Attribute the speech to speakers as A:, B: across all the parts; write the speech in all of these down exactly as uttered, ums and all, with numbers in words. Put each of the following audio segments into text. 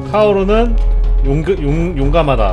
A: 카오루는 용, 용, 용감하다.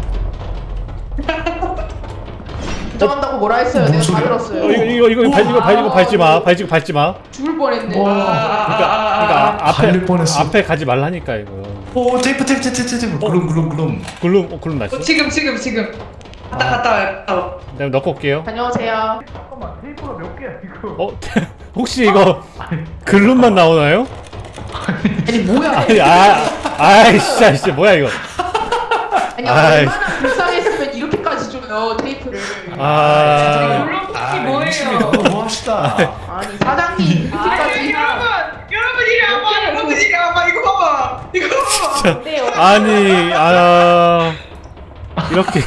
B: 인정한다고 뭐라 했어요? 내가 다 들었어요.
A: 어, 이거 이거 이거 발 이거 발 이거 밟지 마. 발 이거 밟지 마.
B: 죽을 뻔했네.
C: 와.
A: 그러니까 그러니까 앞에
C: 달릴 뻔했어.
A: 앞에 가지 말라니까 이거.
C: 오 테이프 테이프 테이프 테이프 글룸 글룸 글룸.
A: 굴름 어 굴름 났어.
D: 어, 지금 지금 지금 갔다 갔다 와요. 갔다 와.
A: 내가 넣고 올게요.
B: 다녀오세요.
C: 잠깐만 테이프가 몇 개야 이거?
A: 어 혹시 이거 글룸만 나오나요?
B: 아니 뭐야?
A: 아니 아 아이씨 아이씨 뭐야 이거.
B: 아니
A: 아이.
B: 얼마나 불쌍했으면 이렇게까지 줘요 테이프를.
A: 아
D: 물론이 뭐예요?
C: 너무 합시다.
B: 아니 사장님 이렇게까지.
D: 여러분 여러분 이리 와봐 여러분 이리 와봐 이거 봐봐 이거 봐봐.
A: 아니 아 이렇게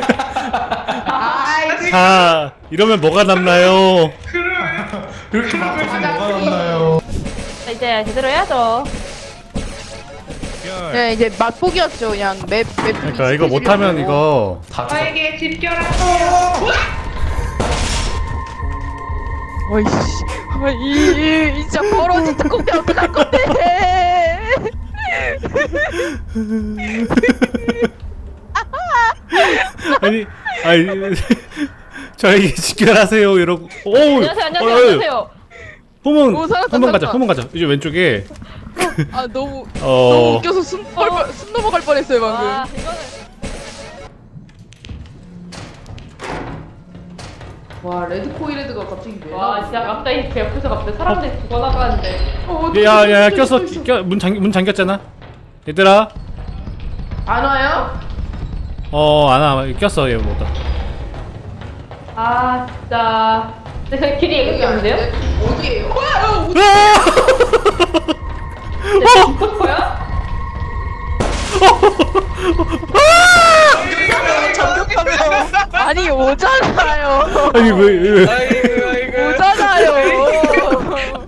B: 아이
A: 자 이러면 뭐가 남나요?
D: 그러면
C: 이렇게 막혀서 뭐가 남나요?
E: 이제 제대로 해야죠.
B: 네 이제 맛보기였죠 그냥 맵 맵.
A: 그러니까 이거 못하면 이거
C: 다 죽어.
D: 나에게 집결하고.
B: 어이씨. 이, 이 진짜 벌어진 특공대 어떡할 건데?
A: 아니 아니 저에게 직결하세요 이러고 오
E: 안녕하세요, 안녕하세요, 안녕하세요.
A: 호문
B: 오, 살았다,
A: 호문 가자
B: 살았다.
A: 호문 가자 이제 왼쪽에
B: 아 너무 너무
A: 어
B: 웃겨서 숨, 뻘, 뻘, 숨 넘어갈 뻔했어요 방금.
E: 아, 이거는
B: 와 레드 코이레드가 갑자기 왜
E: 와
B: 나와?
E: 진짜 갑자기 제 옆에서 갑자기 사람들이 죽어나가는데.
B: 어,
A: 야야야 꼈어 껴문 잠 문 잠겼잖아 얘들아
B: 안 와요?
A: 어안와 꼈어 얘 뭐다
E: 아 진짜. 근데 그 길이 여기 없는데요?
B: 어디에요? 와, 어디?
E: 진짜 죽고 싶어요?
B: 아니 오잖아요.
A: 아니 왜, 왜
D: 아이고 아이고.
B: 오잖아요.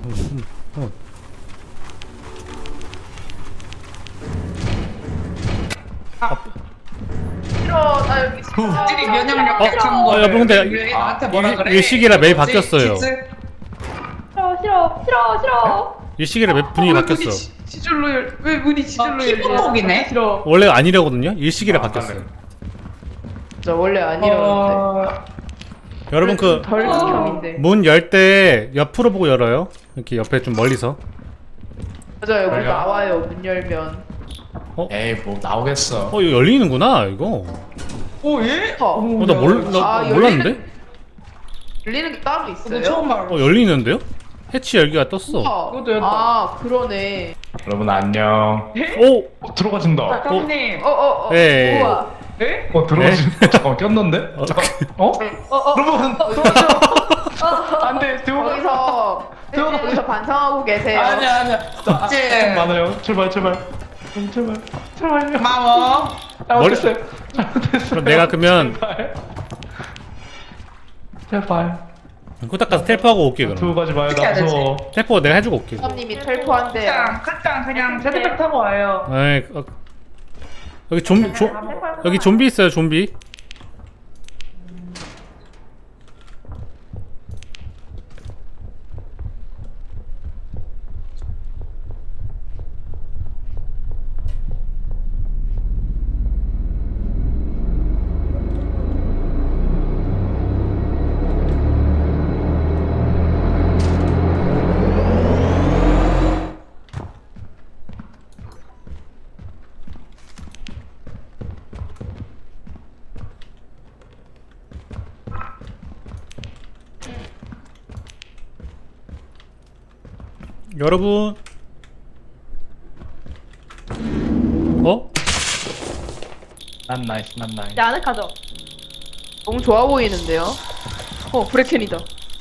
B: 싫어 나 여기 있어.
D: 들이 면역력
A: 어?
D: 약한
A: 어,
D: 거를
A: 여러분, 근데
D: 왜 나한테 뭐라
A: 이-
D: 그래?
A: 이 시기라 매일
D: 뭐지?
A: 바뀌었어요.
D: 키즈?
E: 싫어 싫어 싫어 싫어.
A: 이 시기라 맵 분위기
D: 왜
A: 바뀌었어
D: 문이 지- 지절로 열? 왜 문이 지절로
B: 아,
D: 열려?
B: 피부목이네.
D: 싫어.
A: 원래 아니라거든요 일시기라
C: 아,
A: 바뀌었어요
B: 저 원래 아니라는데.
D: 어...
A: 여러분 그
B: 덜 극혐인데.
A: 문 열 때 옆으로 보고 열어요 이렇게 옆에 좀 멀리서
B: 맞아요. 문
C: 그래요?
B: 나와요. 문 열면.
C: 에이 뭐 나오겠어.
A: 어 이거 열리는구나 이거
D: 오 예?
B: 어.
A: 어 나 몰, 나
B: 아,
A: 몰랐는데?
B: 열리는 게 따로
D: 너
B: 있어요?
D: 처음 알아.
A: 어 열리는데요? 해치 열기가 떴어
B: 우와.
D: 이것도 열었다.
B: 아 그러네.
C: 여러분 안녕.
A: 오!
C: 어, 들어가진다.
D: 사장님.
B: 어어 어.
A: 네.
B: 우와.
D: 예?
C: 어 들어가진다. 잠깐만 꼈는데?
A: 어,
C: 잠깐. 어?
E: 어어.
C: 여러분 들어가죠. 안돼 들어가.
B: 거기서
C: 들어가.
B: 거기서 반성하고 계세요.
D: 아니야 아니야. 제
C: 많아요. 출발 출발. 음, 출발. 출발요.
D: 고마워.
C: 잘못했어요. 잘못했어요.
A: 그럼 내가 그러면
C: 제발. 제발.
A: 후딱 가서 텔포하고 올게
C: 두고
A: 그럼
C: 가지 마요.
D: 어떻게
C: 나
D: 해야 되지?
C: 무서워.
A: 텔포 내가 해주고 올게
B: 사장님이 텔포한대요.
D: 그냥 그냥 그냥 제트백 타고 와요.
A: 에이, 어, 여기 좀비 조, 여기 좀비 있어요 좀비 여러분 어?
C: 난 나이스 난 나이스.
E: 이제 아늑하죠?
B: 너무 좋아 보이는데요? 어 브레켄이다.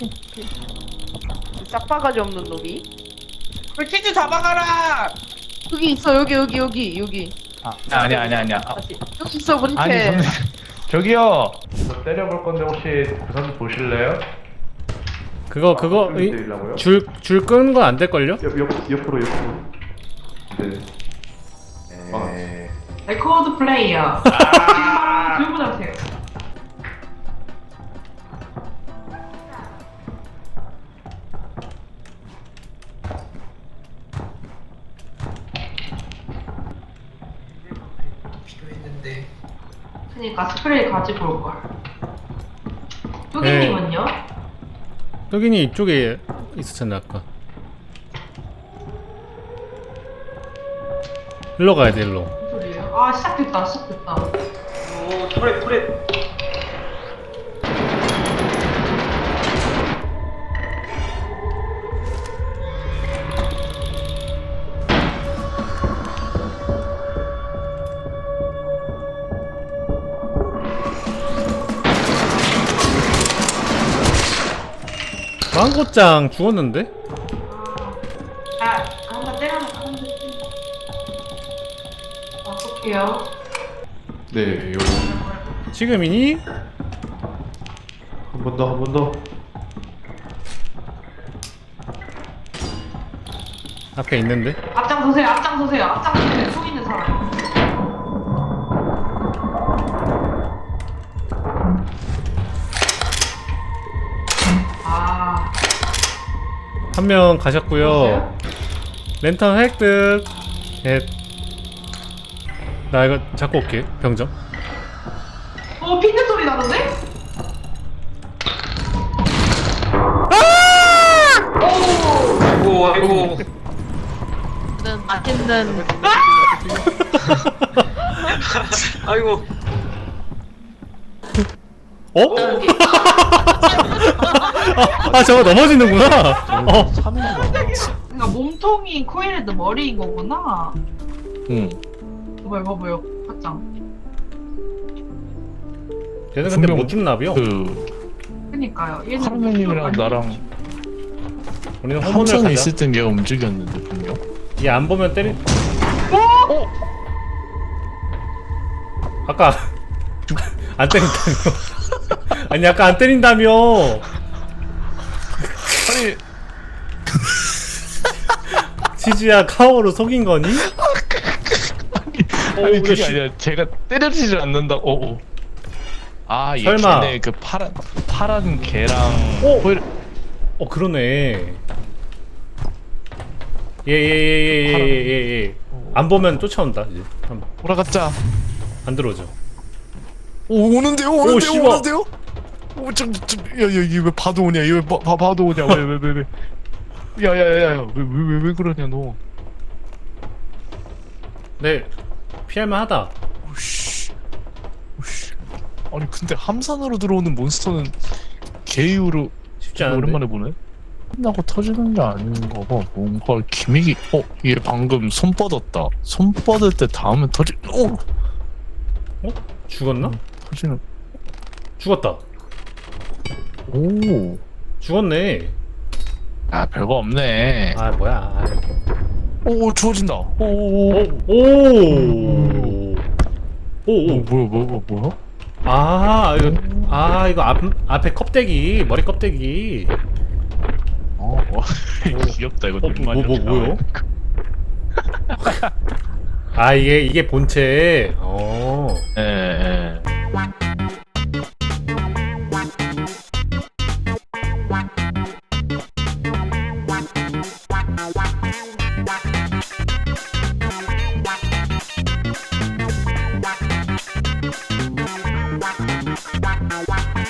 B: 싹바가지 없는 놈이.
D: 그 키즈 잡아가라.
B: 여기 있어 여기 여기 여기 여기
C: 아 아니야 아니야 아니야. 아,
E: 다시.
B: 여기 있어
C: 아니
B: 브레켄.
C: 저는 저기요. 저 때려볼 건데 혹시 부산 보실래요?
A: 그거 그거
C: 아,
A: 이-
C: 때리려고요?
A: 줄 줄 끄는 건 안 될걸요?
C: 옆, 옆, 옆으로 옆으로. 네. 네.
D: 레코드 플레이어. 지금 바로 들고 자세요. 있는데. 그니까 스프레이 가지고 올 걸.
A: 네.
D: 뚜기님은요?
A: 여기니 이쪽에 있었잖아 아까. 일로 가야 돼 일로.
D: 무슨 소리예요? 아 시작됐다 시작됐다.
F: 오 터렛 터렛.
A: 망고짱 죽었는데?
D: 아 한번 때려놓고 한번 때려. 어떡해요?
C: 네, 요.
A: 지금이니?
C: 한 번 더, 한 번 더.
A: 앞에 있는데?
D: 앞장서세요 앞장서세요 앞장서세요. 총 있는 사람. 아
A: 한 명 가셨고요. 랜턴 획득. 예. 나 이거 잡고 올게. 병정.
D: 어 핀드 소리 나는데?
F: 아이고 아이고.
E: 맛있는
F: 아이고.
A: 어? 아 저거 넘어지는구나. 어.
D: 그러니까 몸통이 코일헤드 머리인 거구나.
C: 응.
D: 봐봐요 봐봐요 확장.
A: 얘는 근데
C: 분명
A: 못 죽나비요?
C: 그
D: 그니까요. 얘는
G: 하루님이랑
D: 아니-
G: 나랑
A: 우리는 호mon을
G: 함선에
A: 가자.
G: 있을 땐 얘가 움직였는데 분명.
A: 얘 안 보면 때리. 어? 아까 안 때린다며. 아니 아까 안 때린다며.
G: 아니
A: 치즈야 카오로 속인 거니?
G: 아니
A: 우리
G: 그게
A: 시-
G: 아니라 제가 때려지질 않는다. 오. 오. 아, 얘
A: 설마.
G: 걔네 그 파란 파란 개랑
A: 오!
G: 호일
A: 어 그러네. 예예예예예예. 안 보면 쫓아온다 이제. 한번.
G: 돌아갔자.
A: 안 들어오죠.
G: 오, 오는데요, 오는데요,
A: 씨발.
G: 오는데요. 오, 좀, 좀, 야, 야, 이게 왜 봐도 오냐? 이거 왜 봐, 봐, 봐도 오냐? 왜, 왜, 왜, 왜? 야, 야, 야, 야, 왜, 왜, 왜, 왜 그러냐, 너?
A: 네. 피할만 하다.
G: 오씨, 오씨. 아니, 근데 함산으로 들어오는 몬스터는 개 이후로
A: 쉽지 않은데.
G: 오랜만에 보네. 끝나고 터지는 게 아닌가 봐. 뭔가 기믹이, 어, 얘 방금 손 뻗었다. 손 뻗을 때 다음에 터지, 오,
A: 어? 죽었나?
G: 터지는.
A: 죽었다.
G: 오,
A: 죽었네.
G: 아, 별거 없네.
A: 아 뭐야. 아,
G: 오, 주워진다. 오, 오,
A: 오.
G: 오.
A: 오. 오.
G: 오,
A: 오.
G: 뭐야, 뭐야, 뭐야?
A: 아 이거 아 이거 앞 앞에 껍데기 머리 껍데기.
G: 어, 어. 귀엽다 이거.
A: 어, 뭐,
G: 눈만
A: 뭐,
G: 이렇게
A: 뭐요?
G: 나오니까.
A: 아 이게 이게 본체. 어.
G: 예, 예.